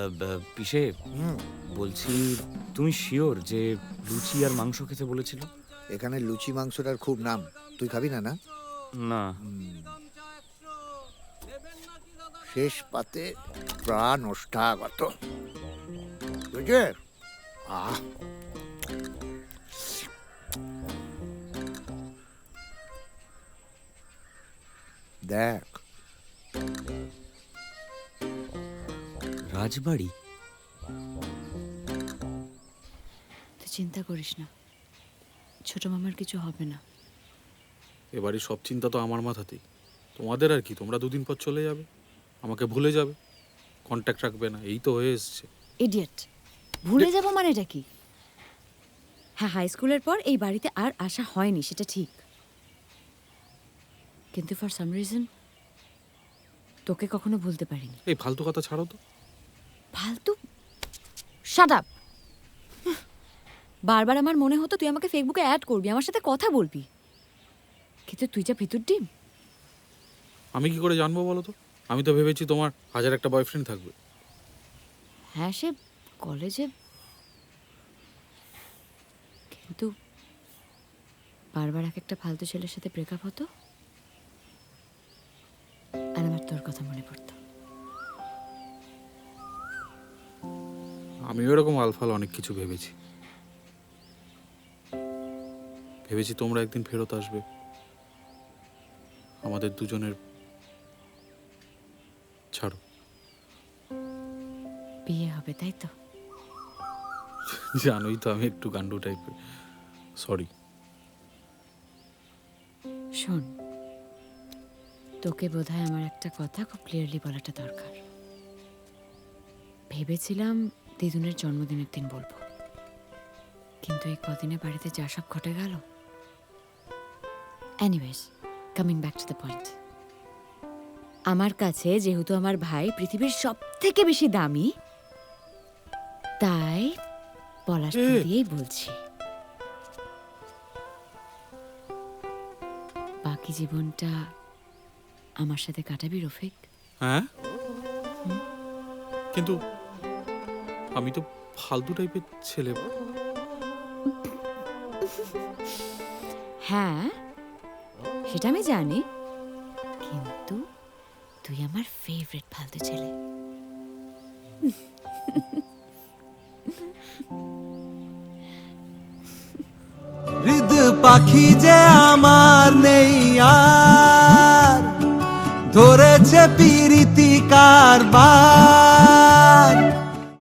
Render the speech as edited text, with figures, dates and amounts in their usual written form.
পিসে বলছি, তুমি শিওর যে লুচি আর মাংস খেতে বলেছিল? এখানে লুচি মাংসটার খুব নাম, তুই খাবি না? না না। শেষ পাতে প্রাণ ওষ্ঠাগত, বুঝে? আহ, দেখ রাজবাড়ি? তুই চিন্তা করিস না, ছোট মামার কিছু হবে না। এবারে সব চিন্তা তো আমার মাথাতেই। তোমাদের আর কি, তোমরা দুদিন পর চলে যাবে, আমাকে ভুলে যাবে, কন্ট্যাক্ট রাখবে না, এই তো হয়ে এসছে। ইডিয়েট, ভুলে যাব মানেটা কি? হ্যাঁ, হাই স্কুলের পর এই বাড়িতে আর আসা হয়নি, সেটা ঠিক, কিন্তু ফর সাম রিজন তোকে কখনো ভুলতে পারিনি। এই ফালতু কথা ছাড়ো তো। ফালতু? Shut up. বারবার আমার মনে হতো তুই আমাকে ফেসবুকে অ্যাড করবি, আমার সাথে কথা বলবি, কিন্তু তুই যা ভিতর ডিম। আমি কি করে জানবো বলো তো? আমি তো ভেবেছি তোমার 1000 বয়ফ্রেন্ড থাকবে। হ্যাঁ, সে কলেজে, কিন্তু বারবার এক একটা ফালতু ছেলের সাথে ব্রেকআপ হতো আর আমার তোর কথা মনে পড়তো। আমিও এরকম আলফাল অনেক কিছু ভেবেছি। ভেবেছি তোমরা একদিন ফেরত আসবে, আমাদের দুজনের। ছাড়ো, বিয়ে হবে তাই তো? জানোই তো আমি একটু গান্ডু টাইপের। সরি। শোন, তোকে বোধহয় আমার একটা কথা খুব ক্লিয়ারলি বলাটা দরকার। ভেবেছিলাম দিদুনের জন্মদিনের দিন বলবো, কিন্তু এই কদিনে বাড়িতে যা সব ঘটে গেল। Anyways, coming back to the point, আমার কাছে যেহেতু আমার ভাই পৃথিবীর সব থেকে বেশি দামি, তাই পলাশ ফুল দিয়েই বলছি, বাকি জীবনটা আমার সাথে কাটাবি রফিক। হ্যাঁ, কিন্তু আমি তো ফালতু টাইপের ছেলে। হ্যাঁ, সেটা আমি জানি, কিন্তু তুই আমার ফেভারিট ফালতু ছেলে। হৃদ পাখি যে আমার নেই আর, ধরেছে পিরিতি কারবার।